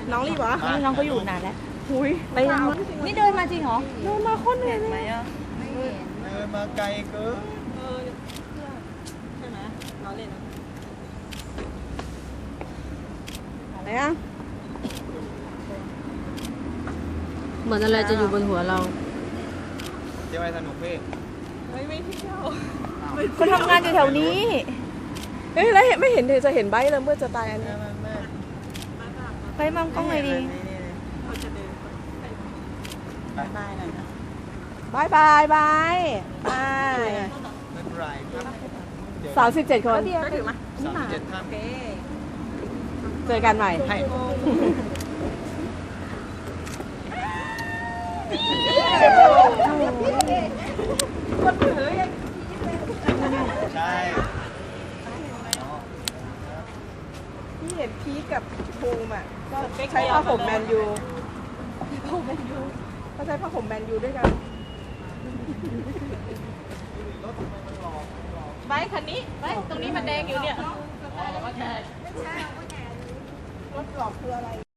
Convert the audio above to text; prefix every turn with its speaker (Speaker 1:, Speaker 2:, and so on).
Speaker 1: น้องรีบเหรอ
Speaker 2: นี่น้องเขาอยู่นานแล้ว
Speaker 1: หุย
Speaker 2: ไปยังนี่เดินมาจริงเหรอ
Speaker 1: เดินมาคนเหนื่อยเลย
Speaker 3: เดินมาไกลเกิน
Speaker 1: ใช่ไหมน้องเล่นนะอะไรอ่ะ
Speaker 2: เหมือนอะไรจะอยู่บนหัวเรา
Speaker 3: เที่ยวไปสนุกพี่
Speaker 1: ไม่เที่ยว
Speaker 2: คนทำงานอยู่แถวนี้
Speaker 1: เฮ้ยแล้วไม่เห็นเธอจะเห็นใบแล้วเมื่อจะตายอันนี้
Speaker 2: ไปมัมกล้องเลยดี
Speaker 1: บายหน่อยนะบายบายบายบาย
Speaker 3: ไม่เป็นไรครับ
Speaker 1: 37 คน
Speaker 3: 37ท่าน
Speaker 1: เจอกันใหม่
Speaker 3: ให้ ใช่
Speaker 1: ที่เห็นพีคกับภูมิอ่ะก็ใช้ผ้าห่มแมนยูก็ใช้ผ้าห่มแมนยูด้วยกัน
Speaker 4: ใบคันนี้ใบตรงนี้มันแดงอยู่เนี่ย
Speaker 1: รถหลอกคืออะไร